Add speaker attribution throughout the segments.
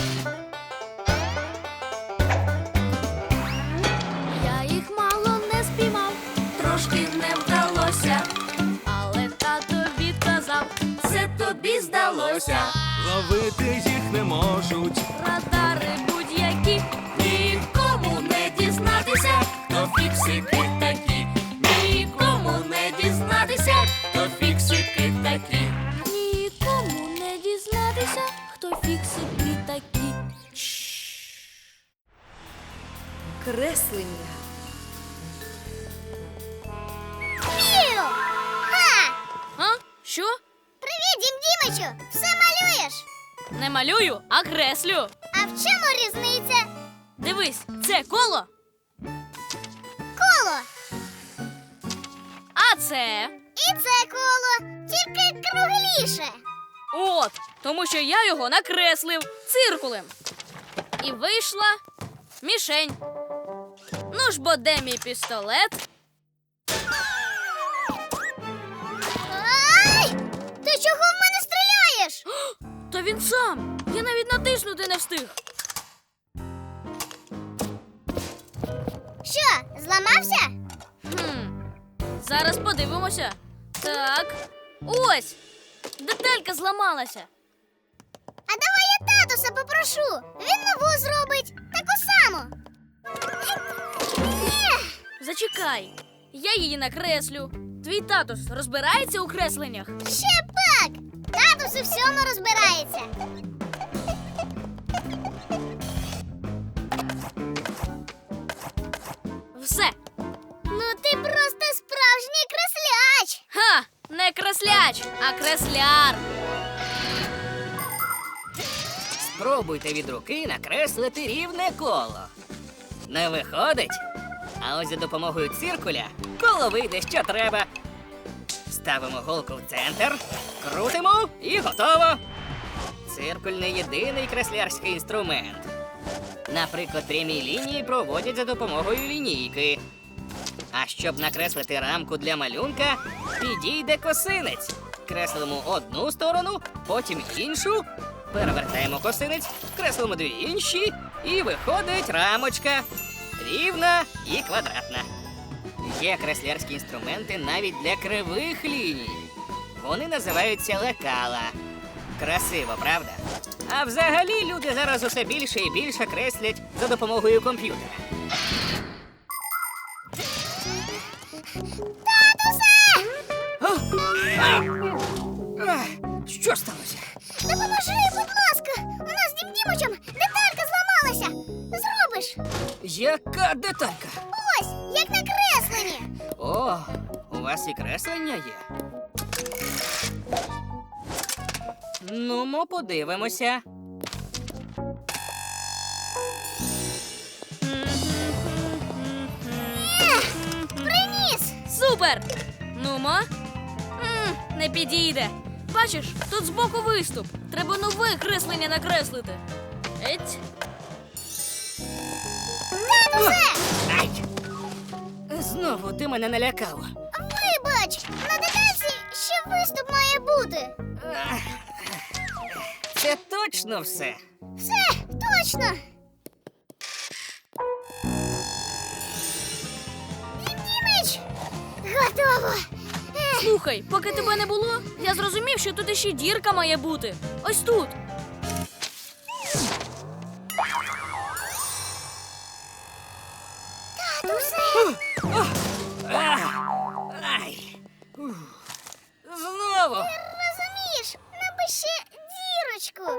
Speaker 1: Я їх мало не спіймав, трошки не вдалося, але тато відказав, це тобі здалося.
Speaker 2: Ловити їх не можуть.
Speaker 1: Радари будь-які, нікому не дізнатися, хто фіксики такі. Нікому не дізнатися, хто фіксики такі. Нікому не дізнатися, хто фіксики такі.
Speaker 3: Креслення.
Speaker 4: Піу! Ха!
Speaker 1: А? Що?
Speaker 4: Привіт, Дім Дімичу! Все малюєш?
Speaker 1: Не малюю, а креслю.
Speaker 4: А в чому різниця?
Speaker 1: Дивись, це коло,
Speaker 4: Коло!
Speaker 1: а це...
Speaker 4: І це коло, тільки кругліше.
Speaker 1: От, тому що я його накреслив циркулем. І вийшла мішень. Ну ж бо де мій пістолет?
Speaker 4: Ай! Ти чого в мене стріляєш?
Speaker 1: То він сам. Я навіть натиснути не встиг.
Speaker 4: Що, зламався?
Speaker 1: Зараз подивимося. Так. Ось! Деталька зламалася.
Speaker 4: А давай я татуса попрошу. Він нову зробить, таку саму.
Speaker 1: Зачекай. Я її накреслю. Твій татус розбирається у кресленнях?
Speaker 4: Ще пак! Татус у всьому розбирається.
Speaker 1: Все.
Speaker 4: Ну ти просто справжній кресляч.
Speaker 1: Ха! Не кресляч, а кресляр.
Speaker 5: Спробуйте від руки накреслити рівне коло. Не виходить? А ось за допомогою циркуля коло вийде, що треба. Ставимо голку в центр, крутимо і готово. Циркуль не єдиний креслярський інструмент. Наприклад, прямі лінії проводять за допомогою лінійки. А щоб накреслити рамку для малюнка, підійде косинець. Креслимо одну сторону, потім іншу. Перевертаємо косинець, креслимо дві інші, і виходить рамочка. Рівна і квадратна. Є креслярські інструменти навіть для кривих ліній. Вони називаються лекала. Красиво, правда? А взагалі люди зараз усе більше і більше креслять за допомогою комп'ютера.
Speaker 4: Татусе!
Speaker 5: Що сталося?
Speaker 4: Допоможи, будь ласка! У нас з Дім Дімичем деталька зламалася! Зробиш?
Speaker 5: Яка деталька?
Speaker 4: Ось, як на кресленні!
Speaker 5: О, у вас і креслення є. Ну, ми подивимося.
Speaker 4: Приніс!
Speaker 1: Супер! Нумо. Не підійде. Бачиш, тут збоку виступ. Треба нове креслення накреслити. Еть.
Speaker 4: Татусе!
Speaker 5: Ай! Знову ти мене налякав.
Speaker 4: Вибач, на детальці ще виступ має бути.
Speaker 5: Це точно все.
Speaker 4: Все, точно. Дім Дімич! Готово.
Speaker 1: Слухай, поки тебе не було, я зрозумів, що тут іще дірка має бути. Ось тут.
Speaker 4: Татусе!
Speaker 5: Ай! Знову!
Speaker 4: Розумієш, нам би ще дірочку.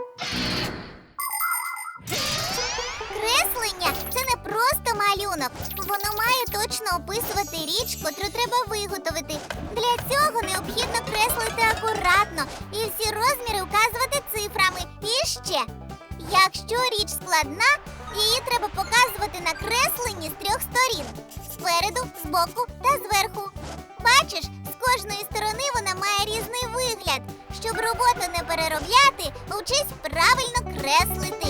Speaker 4: Креслення – це не просто малюнок. Воно має точно описувати річ, котру треба виготовити. Для цього необхідно креслити акуратно і всі розміри указувати цифрами. І ще, якщо річ складна, її треба показувати на кресленні з 3 сторін – спереду, збоку та зверху. Бачиш, з кожної сторони вона має різний вигляд. Щоб роботу не переробляти, учись правильно креслити.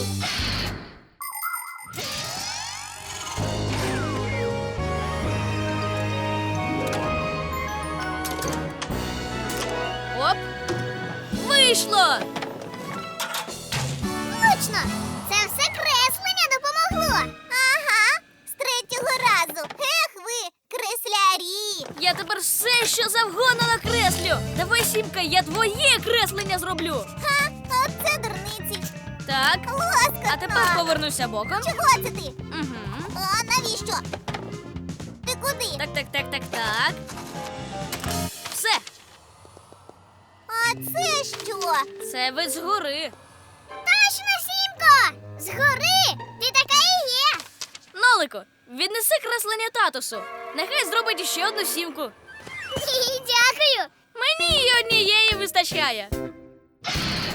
Speaker 1: Оп! Вийшло!
Speaker 4: Ну Точно! Це все креслення допомогло. Ага, з третього разу. Ех ви, креслярі!
Speaker 1: Я тепер все, що завгодно накреслю. Давай, Сімка, я твоє креслення зроблю.
Speaker 4: Ха, оце дурниці.
Speaker 1: Так,
Speaker 4: Лоскотно.
Speaker 1: а тепер повернуся боком.
Speaker 4: Чого це ти?
Speaker 1: Угу.
Speaker 4: А навіщо? Ти куди?
Speaker 1: Так. Все,
Speaker 4: А це що?
Speaker 1: це вид згори.
Speaker 4: Точно, Сімко! Згори! Ти така і є!
Speaker 1: Нолику, віднеси креслення татусу. Нехай зробить ще одну сімку.
Speaker 4: Дякую!
Speaker 1: Мені й однієї вистачає.